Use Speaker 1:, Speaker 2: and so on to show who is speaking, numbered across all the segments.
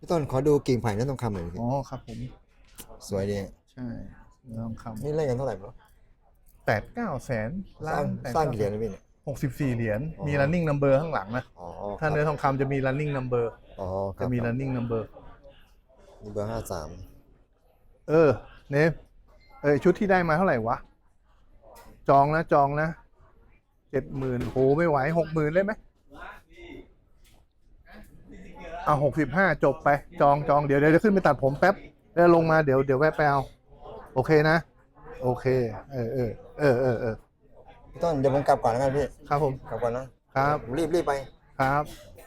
Speaker 1: พี่ต้นขอดูกิ่งไผ่เนื้อทองคำหน่อยสิ
Speaker 2: อ๋อครับผม
Speaker 1: สวยดี
Speaker 2: ใช่เนื้อทองค
Speaker 1: นี่เล่นกันเท่าไหร่บร
Speaker 2: ำ8-9 แสน
Speaker 1: สร้างสร้างกี่เหรียญนะพี่เนี่ย
Speaker 2: 64 เหรียญ
Speaker 1: อ๋อ
Speaker 2: มี running number ข้างหลังนะ
Speaker 1: อ๋อ
Speaker 2: ถ้าเนื้อทองคำจะมี running number
Speaker 1: อ๋อครั
Speaker 2: จะมี
Speaker 1: บครับ
Speaker 2: running number
Speaker 1: นี่เบอร์53
Speaker 2: เออเนฟชุดที่ได้มาเท่าไหร่วะจองนะ70,000โหไม่ไหว60,000เลยไหมเอา65จบไปจองเดี๋ยวขึ้นไปตัดผมแป๊บแล้วลงมาเดี๋ยวแวะไปเอาโอเคนะโอเคเออ
Speaker 1: พี่ต้นเดี๋ยวผมกลับก่อนแล้วกันพี่
Speaker 2: ครับผม
Speaker 1: กลับก่อนนะครับผมรีบไป
Speaker 2: ครับ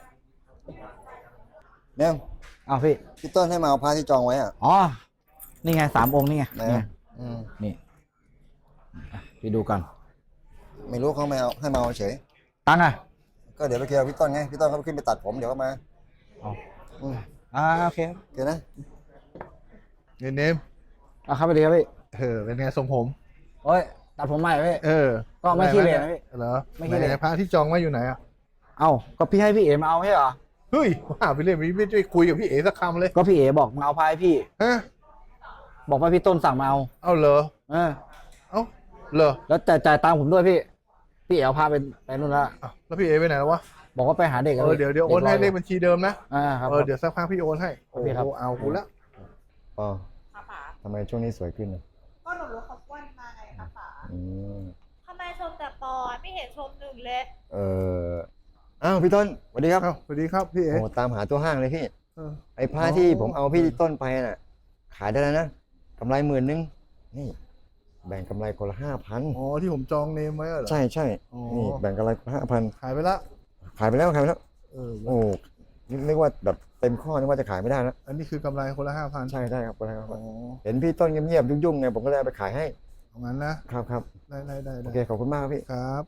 Speaker 1: แม่ง
Speaker 3: เอาพี่
Speaker 1: พี่ต้นให้มาเอาพระที่จองไว้อ่ะ
Speaker 3: อ๋อ นี่ไง3 องค์นี่ไง
Speaker 1: ไหน
Speaker 3: นี่
Speaker 1: อะอืม
Speaker 3: นี่พี่ดูกัน
Speaker 1: ไม่รู้เขาไม่เอาให้มาเอาเฉย
Speaker 3: ตังค์อ่ะ
Speaker 1: ก็เดี๋ยวไปเคลียร์กับพี่ต้นไงพี่ต้นเขาขึ้นไปตัดผมเดี๋ยวก็มา
Speaker 3: เอา
Speaker 1: อืม
Speaker 3: โอเค
Speaker 1: โอเคนะ
Speaker 2: เนม
Speaker 3: เอาเข้าไปเลยครับพี่
Speaker 2: เป็นไงทรงผม
Speaker 3: โอ้ยตัดผมใหม่พี่
Speaker 2: เออ
Speaker 3: ก็ไม่ขี้เหร่นะพี่
Speaker 2: เหรอ
Speaker 3: ไม่ขี้เหร่
Speaker 2: ไหนพระที่จองไว้อยู่ไหนอ่ะ
Speaker 3: เอาก็พี่ให้พี่เอ๋มาเอาไม่ใช่เหรอ
Speaker 2: เฮ้ยว่าไปเรื่อยไม่ได้คุยกับพี่เอ๋สักคำเลย
Speaker 3: ก็พี่เอ๋บอกมาเอาพายพี่
Speaker 2: ฮะ
Speaker 3: บอกว่าพี่ต้นสั่งมาเอา
Speaker 2: เอาเหรอ
Speaker 3: เออ
Speaker 2: เอาเหรอ
Speaker 3: แล้วจ่ายตังค์ผมด้วยพี่เอ๋เอาพาไปนู่นแล้ว
Speaker 2: อ้าวแล้วพี่เอ๋ไปไหนแล้ววะ
Speaker 3: บอกว่าไปหาเด็ก
Speaker 2: เดี๋ยวโอนให้เลขบัญชีเดิมนะ
Speaker 3: ครับ
Speaker 2: เดี๋ยวสักพักพี่โอนให้โอ้
Speaker 3: โอเคครับ
Speaker 2: โหเอากูละ
Speaker 1: อ๋อ
Speaker 4: ค่ะป๋า
Speaker 1: ทำไมช่วงนี้สวยขึ้นอ่ะ
Speaker 4: ก็หนูรู้เขาอ้วนมาไงคะป๋า
Speaker 1: อืม
Speaker 4: ทำไมชมแต่ปอยไม่เห็นชมหนึ่งเลย
Speaker 1: เอออ้าวพี่ต้นสวัสดีครับ
Speaker 2: เอ้าสวัสดีครับพี่เอ๋
Speaker 1: โอ้ตามหาตัวห้างเลยพี่
Speaker 2: เออ
Speaker 1: ไอ้ผ้าที่ผมเอาพี่ต้นไปน่ะ ขายได้แล้วนะกำไร10,000นี่ แบ่งกำไรคนละ5,000
Speaker 2: อ๋อที่ผมจองเนมไว้เหรอ
Speaker 1: ใช่
Speaker 2: อ๋อ
Speaker 1: นี่แบ่งกำไร5,000
Speaker 2: ขายไปละ
Speaker 1: ขายไปแล้ว
Speaker 2: เออ
Speaker 1: โอ้นึกว่าแบบเต็มข้อนึกว่าจะขายไม่ได้แล้ว
Speaker 2: อันนี้คือกำไรคนละ5,000
Speaker 1: ใช่ครับคนละ
Speaker 2: อ๋อ
Speaker 1: เห็นพี่ต้นเงียบๆยุ่งๆไงผมก็เลยเอาไปขายให้
Speaker 2: เอางั้นนะครับ
Speaker 1: ครับ
Speaker 2: ได้
Speaker 1: โอเคขอบคุณมากครับพี่
Speaker 2: ครับ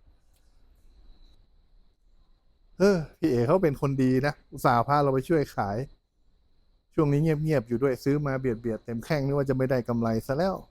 Speaker 2: พี่เอ๋เขาเป็นคนดีนะอุตส่าห์พาเราไปช่วยขาย ช่วงนี้เงียบๆอยู่ด้วยซื้อมาเบียดเต็มแข้งนึกว่าจะไม่ได้กำไรซะแล้ว